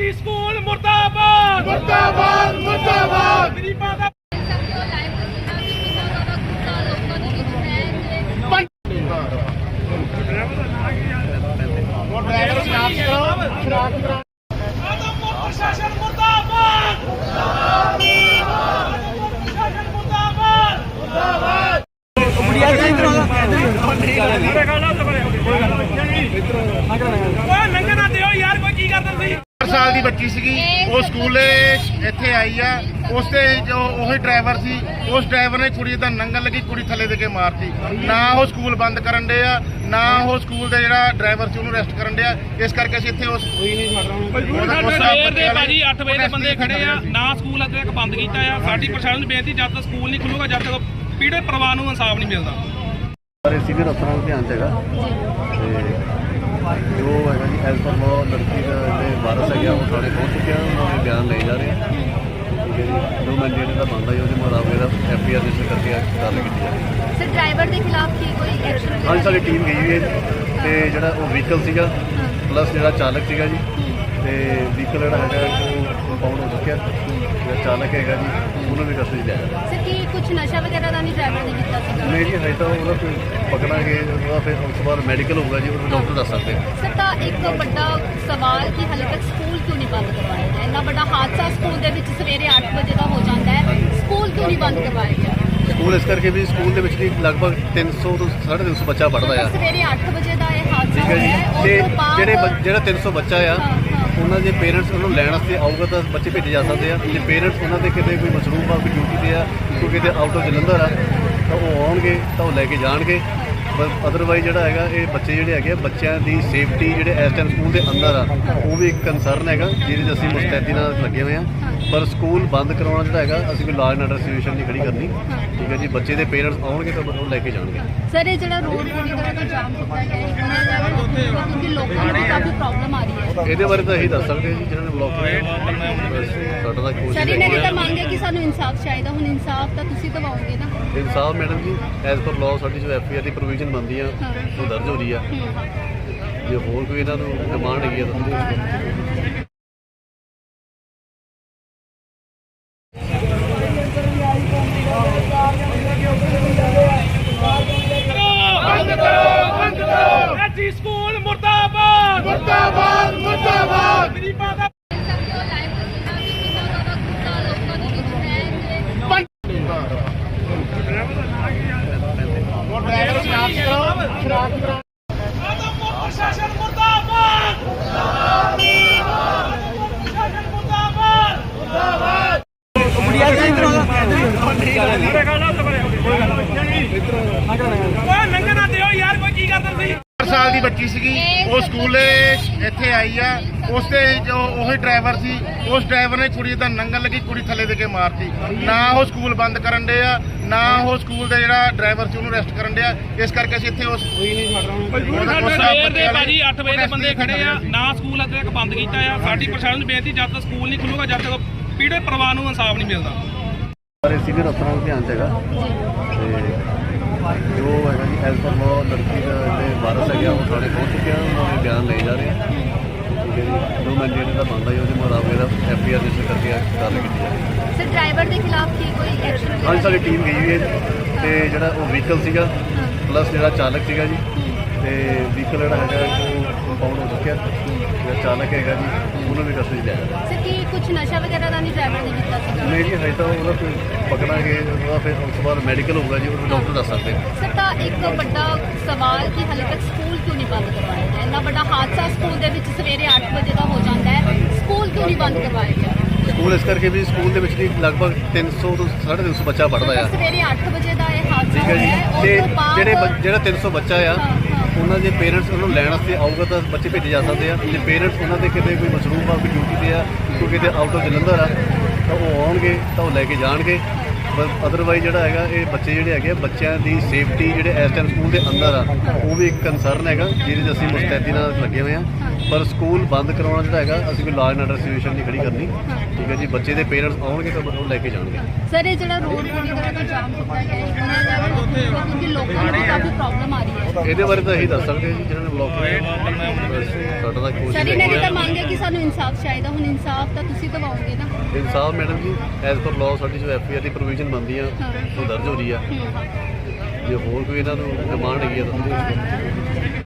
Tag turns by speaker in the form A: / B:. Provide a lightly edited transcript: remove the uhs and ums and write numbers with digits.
A: ਜੀ ਸਕੂਲ ਮੁਰਦਾਬਾਦ ਮੁਰਦਾਬਾਦ ਮੁਰਦਾਬਾਦ ਗਰੀਬਾਂ ਦਾ ਪ੍ਰਸ਼ਾਸਨ ਮੁਰਦਾਬਾਦ ਪ੍ਰਸ਼ਾਸਨ ਮੁਰਦਾਬਾਦ ਮੁਰਦਾਬਾਦ ਨੰਗਣਾ ਦਿਓ ਯਾਰ ਕੋਈ ਕੀ ਕਰਦਾ ਸੀ
B: 4 ਸਾਲ ਦੀ ਬੱਚੀ ਸੀਗੀ ਉਹ ਸਕੂਲੇ ਇੱਥੇ ਆਈ ਆ ਉਸ ਤੇ ਜੋ ਉਹੀ ਡਰਾਈਵਰ ਸੀ ਉਸ ਡਰਾਈਵਰ ਨੇ ਕੁੜੀ ਦਾ ਨੰਗਣ ਲੱਗੀ ਕੁੜੀ ਥੱਲੇ ਦੇ ਕੇ ਮਾਰਤੀ ਨਾ ਉਹ ਸਕੂਲ ਬੰਦ ਕਰਨ ਦੇ ਆ ਨਾ ਉਹ ਸਕੂਲ ਦਾ ਜਿਹੜਾ ਡਰਾਈਵਰ ਸੀ ਉਹਨੂੰ ਅਰੈਸਟ ਕਰਨ ਦੇ ਆ ਇਸ ਕਰਕੇ ਅਸੀਂ ਇੱਥੇ ਉਸ ਹੋਈ ਨਹੀਂ
A: ਸਵੇਰ ਦੇ ਭਾਜੀ 8 ਵਜੇ ਦੇ ਬੰਦੇ ਖੜੇ ਆ ਨਾ ਸਕੂਲ ਅੱਜ ਤੱਕ ਬੰਦ ਕੀਤਾ ਆ ਸਾਡੀ ਪ੍ਰਸ਼ਾਸਨ ਨੂੰ ਬੇਨਤੀ ਜਦ ਤੱਕ ਸਕੂਲ ਨਹੀਂ ਖੁੱਲੂਗਾ ਜਦ ਤੱਕ ਪੀੜਤ ਪਰਿਵਾਰ ਨੂੰ ਇਨਸਾਫ ਨਹੀਂ ਮਿਲਦਾ
C: ਸਾਰੇ ਸੀਨੀਅਰ ਅਫਸਰਾਂ ਨੂੰ ਧਿਆਨ ਦੇਗਾ ਤੇ ਜੋ ਹੈਗਾ ਜੀ ਐਜ਼ ਪਰ ਲਾਅ ਲੜਕੀ ਦਾ ਜਿਹੜੇ ਵਾਰਸ ਹੈਗਾ ਉਹ ਥਾਣੇ ਪਹੁੰਚ ਚੁੱਕਿਆ ਉਹਨਾਂ ਦੇ ਬਿਆਨ ਲਏ ਜਾ ਰਹੇ ਠੀਕ ਹੈ ਜੀ ਜੋ ਮੈਂਡੇਟ ਦਾ ਬਣਦਾ ਜੀ ਉਹਦੇ ਮੁਤਾਬਕ ਇਹਦਾ FIR ਰਜਿਸਟਰ ਕਰਕੇ ਕਾਰਵਾਈ ਕੀਤੀ ਜਾ ਰਹੀ ਹੈ।
D: ਸਰ ਡਰਾਈਵਰ ਦੇ ਖਿਲਾਫ ਕੀ ਕੋਈ ਐਕਸ਼ਨ?
C: ਹਾਂਜੀ ਸਾਡੀ ਟੀਮ ਗਈ ਹੋਈ ਹੈ ਤੇ ਜਿਹੜਾ ਉਹ ਵਹੀਕਲ ਸੀਗਾ ਪਲੱਸ ਜਿਹੜਾ ਚਾਲਕ ਸੀਗਾ ਜੀ ਤੇ ਵਹੀਕਲ ਜਿਹੜਾ ਹੈਗਾ ਉਹ ਕੰਪਾਊਂਡ ਹੋ ਚੁੱਕਿਆ ਜਿਹੜਾ ਚਾਲਕ ਹੈਗਾ ਜੀ ਉਹਨੂੰ ਵੀ ਕਸਟਡੀ ਲਿਆ ਜਾ
D: ਸਰ ਕੀ ਕੁਝ ਨਸ਼ਾ ਵਗੈਰਾ ਦਾ ਨਹੀਂ ਡਰਾਈਵਰ ਨੇ ਕੀਤਾ ਸੀਗਾ?
C: ਨਹੀਂ ਜੀ ਹਜੇ ਤਾਂ ਉਹਦਾ ਕੋਈ ਪਕੜਾਂਗੇ ਉਹਦਾ ਫਿਰ ਉਸ ਤੋਂ ਬਾਅਦ ਮੈਡੀਕਲ ਹੋਊਗਾ ਜੀ ਉਹ ਡਾਕਟਰ ਦੱਸ ਸਕਦੇ
D: ਸਰ ਤਾਂ ਇੱਕ ਵੱਡਾ ਸਵਾਲ ਕਿ ਹਾਲੇ ਤੱਕ ਸਕੂਲ ਕਿਉਂ ਨਹੀਂ ਬੰਦ ਕਰਵਾਇਆ ਗਿਆ? ਇੰਨਾ ਵੱਡਾ ਹਾਦਸਾ ਸਕੂਲ ਦੇ ਵਿੱਚ ਸਵੇਰੇ 8 ਵਜੇ ਦਾ ਹੋ ਜਾਂਦਾ ਹੈ, ਸਕੂਲ ਕਿਉਂ ਨਹੀਂ ਬੰਦ ਕਰਵਾਇਆ ਗਿਆ?
C: ਸਕੂਲ ਇਸ ਕਰਕੇ ਵੀ ਸਕੂਲ ਦੇ ਵਿੱਚ ਵੀ ਲਗਭਗ 300 ਤੋਂ 350 ਬੱਚਾ ਪੜ੍ਹਦਾ ਆ
D: ਸਵੇਰੇ 8 ਵਜੇ ਦਾ ਇਹ ਹਾਦਸਾ
C: ਠੀਕ ਹੈ
D: ਹੋਇਆ ਹੈ
C: ਜੀ ਤੇ
D: ਉਸ ਤੋਂ ਬਾਅਦ
C: ਜਿਹੜਾ 300 ਬੱਚਾ ਆ ਉਹਨਾਂ ਦੇ ਪੇਰੈਂਟਸ ਉਹਨੂੰ ਲੈਣ ਵਾਸਤੇ ਆਊਗਾ ਤਾਂ ਬੱਚੇ ਭੇਜੇ ਜਾ ਸਕਦੇ ਆ ਜੇ ਪੇਰੈਂਟਸ ਉਹਨਾਂ ਦੇ ਕਿਤੇ ਕੋਈ ਮਸਰੂਫ ਆ ਕੋਈ ਡਿਊਟੀ ਤੇ ਆ ਕੋਈ ਕਿਤੇ ਆਊਟ ਆਫ ਜਲੰਧਰ ਆ ਤਾਂ ਉਹ ਆਉਣਗੇ ਤਾਂ ਉਹ ਲੈ ਕੇ ਜਾਣਗੇ ਅਦਰਵਾਈਜ਼ ਜਿਹੜਾ ਹੈਗਾ ਇਹ ਬੱਚੇ ਜਿਹੜੇ ਹੈਗੇ ਬੱਚਿਆਂ ਦੀ ਸੇਫਟੀ ਜਿਹੜੇ ਇਸ ਟਾਈਮ ਸਕੂਲ ਦੇ ਅੰਦਰ ਆ ਉਹ ਵੀ ਇੱਕ ਕੰਸਰਨ ਹੈਗਾ ਜਿਹਦੇ 'ਚ ਅਸੀਂ ਮੁਸਤੈਦੀ ਨਾਲ ਲੱਗੇ ਹੋਏ ਆ ਪਰ ਸਕੂਲ ਬੰਦ ਕਰਾਉਣਾ ਜਿਹੜਾ ਹੈਗਾ ਅਸੀਂ ਕੋਈ ਲਾਅ ਐਂਡ ਆਰਡਰ ਸਿਚੁਏਸ਼ਨ ਨਹੀਂ ਖੜੀ ਕਰਨੀ ਠੀਕ ਹੈ ਜੀ ਬੱਚੇ ਦੇ ਪੇਰੈਂਟਸ ਆਉਣਗੇ ਤਾਂ ਉਹ ਲੈ ਕੇ ਜਾਣਗੇ
D: ਸਰ ਇਹ ਜਿਹੜਾ ਰੋਡ ਪੂਰੀ ਤਰ੍ਹਾਂ ਤੋਂ ਜਾਮ ਕੀਤਾ ਗਿਆ ਹੈ ਕਿਉਂਕਿ ਲੋਕਾਂ ਨੂੰ ਕਾਫੀ ਪ੍ਰੋਬਲਮ ਆ ਰਹੀ ਹੈ
C: ਇਹਦੇ ਬਾਰੇ ਤਾਂ ਇਹੀ ਦੱਸ ਸਕਦੇ ਜੀ ਜਿਹਨਾਂ ਨੇ ਬਲੌਕ ਸਾਡਾ ਤਾਂ ਕੋਸ਼ਿਸ਼
D: ਸਰ ਇਹਨਾਂ ਦੀ ਤਾਂ ਮੰਗ ਹੈ ਕਿ ਸਾਨੂੰ ਇਨਸਾਫ ਚਾਹੀਦਾ ਹੁਣ ਇਨਸਾਫ ਤਾਂ ਤੁਸੀਂ ਦਿਵਾਓਗੇ ਨਾ?
C: ਇਨਸਾਫ ਮੈਡਮ ਜੀ ਐਜ਼ ਪਰ ਲਾਅ ਸਾਡੀ ਜੋ FIR ਦੀ ਪ੍ਰੋਵੀਜ਼ਨ ਬਣਦੀ ਆ ਉਹ ਦਰਜ ਹੋ ਰਹੀ ਆ ਜੇ ਹੋਰ ਕੋਈ ਇਹਨਾਂ ਨੂੰ ਡਿਮਾਂਡ ਹੈਗੀ ਆ ਤਾਂ
A: ਜੀ ਸਕੂਲ ਮੁਰਦਾਬਾਦ ਮੁਰਦਾਬਾਦ ਮੁਰਦਾਬਾਦ ਗਰੀਬਾਂ ਦਾ ਪ੍ਰਸ਼ਾਸਨ ਮੁਰਦਾਬਾਦ ਪ੍ਰਸ਼ਾਸਨ ਮੁਰਦਾਬਾਦ ਮੁਰਦਾਬਾਦ ਨੰਗਣਾ ਦਿਓ ਯਾਰ ਕੋਈ ਕੀ ਕਰਦਾ ਸੀ
B: 4 ਸਾਲ ਦੀ ਬੱਚੀ ਸੀਗੀ ਉਹ ਸਕੂਲੇ ਇੱਥੇ ਆਈ ਆ ਉਸ ਤੇ ਜੋ ਉਹੀ ਡਰਾਈਵਰ ਸੀ ਉਸ ਡਰਾਈਵਰ ਨੇ ਕੁੜੀ ਦਾ ਨੰਗਣ ਲੱਗੀ ਕੁੜੀ ਥੱਲੇ ਦੇ ਕੇ ਮਾਰਤੀ ਨਾ ਉਹ ਸਕੂਲ ਬੰਦ ਕਰਨ ਦੇ ਆ ਨਾ ਉਹ ਸਕੂਲ ਦਾ ਜਿਹੜਾ ਡਰਾਈਵਰ ਸੀ ਉਹਨੂੰ ਅਰੈਸਟ ਕਰਨ ਦੇ ਆ ਇਸ ਕਰਕੇ ਅਸੀਂ ਇੱਥੇ ਉਸ ਹੋਈ ਨਹੀਂ
A: ਸਵੇਰ ਦੇ ਭਾਜੀ 8 ਵਜੇ ਦੇ ਬੰਦੇ ਖੜੇ ਆ ਨਾ ਸਕੂਲ ਅੱਜ ਤੱਕ ਬੰਦ ਕੀਤਾ ਆ ਸਾਡੀ ਪ੍ਰਸ਼ਾਸਨ ਨੂੰ ਬੇਨਤੀ ਜਦ ਤੱਕ ਸਕੂਲ ਨਹੀਂ ਖੁੱਲੂਗਾ ਜਦ ਤੱਕ ਪੀੜਤ ਪਰਿਵਾਰ ਨੂੰ ਇਨਸਾਫ ਨਹੀਂ ਮਿਲਦਾ
C: ਸਾਰੇ ਸੀਨੀਅਰ ਅਫਸਰਾਂ ਨੂੰ ਧਿਆਨ ਦੇਗਾ ਤੇ ਜੋ ਹੈਗਾ ਜੀ ਐਜ਼ ਪਰ ਲਾਅ ਲੜਕੀ ਦਾ ਜਿਹੜੇ ਵਾਰਸ ਹੈਗਾ ਉਹ ਥਾਣੇ ਪਹੁੰਚ ਚੁੱਕਿਆ ਉਹਨਾਂ ਦੇ ਬਿਆਨ ਲਏ ਜਾ ਰਹੇ ਠੀਕ ਹੈ ਜੀ ਜੋ ਮੈਂਡੇਟ ਦਾ ਬਣਦਾ ਜੀ ਉਹਦੇ ਮੁਤਾਬਕ ਇਹਦਾ FIR ਰਜਿਸਟਰ ਕਰਕੇ ਕਾਰਵਾਈ ਕੀਤੀ ਜਾ ਰਹੀ ਹੈ।
D: ਸਰ ਡਰਾਈਵਰ ਦੇ ਖਿਲਾਫ ਕੀ ਕੋਈ ਐਕਸ਼ਨ?
C: ਹਾਂਜੀ ਸਾਡੀ ਟੀਮ ਗਈ ਹੋਈ ਹੈ ਤੇ ਜਿਹੜਾ ਉਹ ਵਹੀਕਲ ਸੀਗਾ ਪਲੱਸ ਜਿਹੜਾ ਚਾਲਕ ਸੀਗਾ ਜੀ ਤੇ ਵਹੀਕਲ ਜਿਹੜਾ ਹੈਗਾ ਉਹ ਕੰਪਾਊਂਡ ਹੋ ਚੁੱਕਿਆ ਜਿਹੜਾ ਚਾਲਕ ਹੈਗਾ ਜੀ ਉਹਨੂੰ ਵੀ ਕਸਟਡੀ ਲਿਆ ਜਾ
D: ਸਰ ਕੀ ਕੁਝ ਨਸ਼ਾ ਵਗੈਰਾ ਦਾ ਨਹੀਂ ਡਰਾਈਵਰ ਨੇ ਕੀਤਾ ਸੀਗਾ?
C: ਨਹੀਂ ਜੀ ਹਜੇ ਤਾਂ ਉਹਦਾ ਕੋਈ ਪਕੜਾਂਗੇ ਉਹਦਾ ਫਿਰ ਉਸ ਤੋਂ ਬਾਅਦ ਮੈਡੀਕਲ ਹੋਊਗਾ ਜੀ ਉਹ ਡਾਕਟਰ ਦੱਸ ਸਕਦੇ
D: ਸਰ ਤਾਂ ਇੱਕ ਵੱਡਾ ਸਵਾਲ ਕਿ ਹਾਲੇ ਤੱਕ ਸਕੂਲ ਕਿਉਂ ਨਹੀਂ ਬੰਦ ਕਰਵਾਇਆ ਗਿਆ? ਇੰਨਾ ਵੱਡਾ ਹਾਦਸਾ ਸਕੂਲ ਦੇ ਵਿੱਚ ਸਵੇਰੇ 8 ਵਜੇ ਦਾ ਹੋ ਜਾਂਦਾ ਹੈ, ਸਕੂਲ ਕਿਉਂ ਨਹੀਂ ਬੰਦ ਕਰਵਾਇਆ ਗਿਆ?
C: ਸਕੂਲ ਇਸ ਕਰਕੇ ਵੀ ਸਕੂਲ ਦੇ ਵਿੱਚ ਵੀ ਲਗਭਗ 300 ਤੋਂ 350 ਬੱਚਾ ਪੜ੍ਹਦਾ ਆ
D: ਸਵੇਰੇ 8 ਵਜੇ ਦਾ ਇਹ ਹਾਦਸਾ
C: ਠੀਕ ਹੈ
D: ਹੋਇਆ ਹੈ
C: ਜੀ
D: ਉਸ ਤੋਂ ਬਾਅਦ
C: ਤੇ ਜਿਹੜਾ 300 ਬੱਚਾ ਆ ਉਹਨਾਂ ਦੇ ਪੇਰੈਂਟਸ ਉਹਨੂੰ ਲੈਣ ਵਾਸਤੇ ਆਊਗਾ ਤਾਂ ਬੱਚੇ ਭੇਜੇ ਜਾ ਸਕਦੇ ਆ ਜੇ ਪੇਰੈਂਟਸ ਉਹਨਾਂ ਦੇ ਕਿਤੇ ਕੋਈ ਮਸਰੂਫ ਆ ਕੋਈ ਡਿਊਟੀ ਤੇ ਆ ਕੋਈ ਕਿਤੇ ਆਊਟ ਆਫ ਜਲੰਧਰ ਆ ਤਾਂ ਉਹ ਆਉਣਗੇ ਤਾਂ ਉਹ ਲੈ ਕੇ ਜਾਣਗੇ ਅਦਰਵਾਈਜ਼ ਜਿਹੜਾ ਹੈਗਾ ਇਹ ਬੱਚੇ ਜਿਹੜੇ ਹੈਗੇ ਬੱਚਿਆਂ ਦੀ ਸੇਫਟੀ ਜਿਹੜੇ ਇਸ ਟਾਈਮ ਸਕੂਲ ਦੇ ਅੰਦਰ ਆ ਉਹ ਵੀ ਇੱਕ ਕੰਸਰਨ ਹੈਗਾ ਜਿਹਦੇ 'ਚ ਅਸੀਂ ਮੁਸਤੈਦੀ ਨਾਲ ਲੱਗੇ ਹੋਏ ਆ ਪਰ ਸਕੂਲ ਬੰਦ ਕਰਾਉਣਾ ਜਿਹੜਾ ਹੈਗਾ ਅਸੀਂ ਕੋਈ ਲਾਅ ਐਂਡ ਆਰਡਰ ਸਿਚੁਏਸ਼ਨ ਨਹੀਂ ਖੜੀ ਕਰਨੀ ਠੀਕ ਹੈ ਜੀ ਬੱਚੇ ਦੇ ਪੇਰੈਂਟਸ ਆਉਣਗੇ ਤਾਂ ਉਹ ਲੈ ਕੇ ਜਾਣਗੇ
D: ਸਰ ਇਹ ਜਿਹੜਾ ਰੋਡ ਪੂਰੀ ਤਰ੍ਹਾਂ ਤੋਂ ਜਾਮ ਕੀਤਾ ਗਿਆ ਹੈ ਕਿਉਂਕਿ ਲੋਕਾਂ ਨੂੰ ਕਾਫੀ ਪ੍ਰੋਬਲਮ ਆ ਰਹੀ ਹੈ
C: ਇਹਦੇ ਬਾਰੇ ਤਾਂ ਇਹੀ ਦੱਸ ਸਕਦੇ ਜੀ ਜਿਹਨਾਂ ਨੇ ਬਲੌਕ ਸਾਡਾ ਤਾਂ ਕੋਸ਼ਿਸ਼
D: ਸਰ ਇਹਨਾਂ ਦੀ ਤਾਂ
C: ਹੈ
D: ਮੰਗ ਹੈ ਕਿ ਸਾਨੂੰ ਇਨਸਾਫ ਚਾਹੀਦਾ। ਹੁਣ ਇਨਸਾਫ ਤਾਂ ਤੁਸੀਂ ਦਿਵਾਓਗੇ ਨਾ।
C: ਇਨਸਾਫ ਮੈਡਮ ਜੀ ਐਜ਼ ਪਰ ਲਾਅ ਸਾਡੀ ਜੋ FIR ਦੀ ਪ੍ਰੋਵੀਜ਼ਨ ਬਣਦੀ ਆ ਉਹ ਦਰਜ ਹੋ ਰਹੀ ਆ। ਜੇ ਹੋਰ ਕੋਈ ਇਹਨਾਂ ਨੂੰ ਡਿਮਾਂਡ ਹੈਗੀ ਆ ਤਾਂ